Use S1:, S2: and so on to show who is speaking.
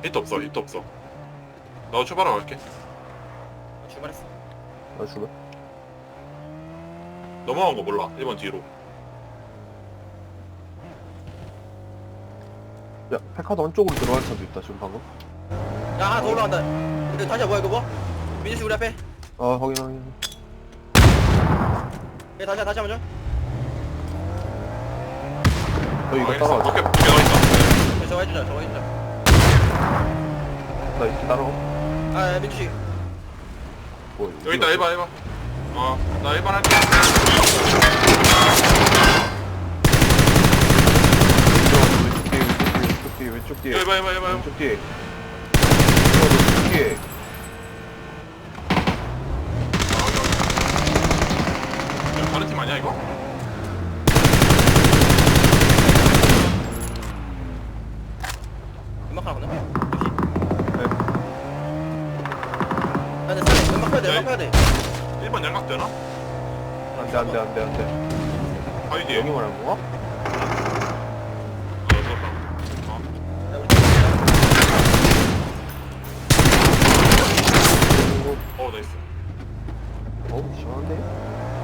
S1: 히트 없어 히트 없어. 나도 출발하고 갈게.
S2: 출발했어.
S3: 나 죽어.
S1: 넘어간 거 몰라. 1번 뒤로.
S3: 야, 페카도 안쪽으로 들어갈 차도 있다, 지금 방금.
S2: 야, 하나 더 올라간다. 근데 다시야 뭐야 이거 뭐? 민수 씨 우리 앞에.
S3: 아, 확인.
S2: 예, 다시 한번 줘.
S3: 너 이거
S1: 알겠어.
S3: 따라와.
S1: 밖에 나와 있다.
S2: 예, 저거 해주자.
S3: 나 이렇게 따라와.
S2: 아, 예, 민수 씨.
S3: 뭐,
S1: 여기 있다 1번 1번. 나 1번 할게.
S3: 왼쪽 뒤에.
S1: 1번 1번 1번.
S3: 왼쪽 뒤에. 왼쪽 뒤에.
S1: 다른 팀 아니야 이거?
S2: 연막 하나 건네.
S3: 네.
S2: 야, 근데 싸네. 연막 펴야 돼. 연막 펴야 돼.
S1: 1번 양각 되나?
S3: 안 돼.
S1: 바위 뒤에.
S3: 여기 말하는 거야?
S1: 들었다.
S2: 야, 우리 팀이야.
S1: 나이스.
S3: 어우, 시원한데?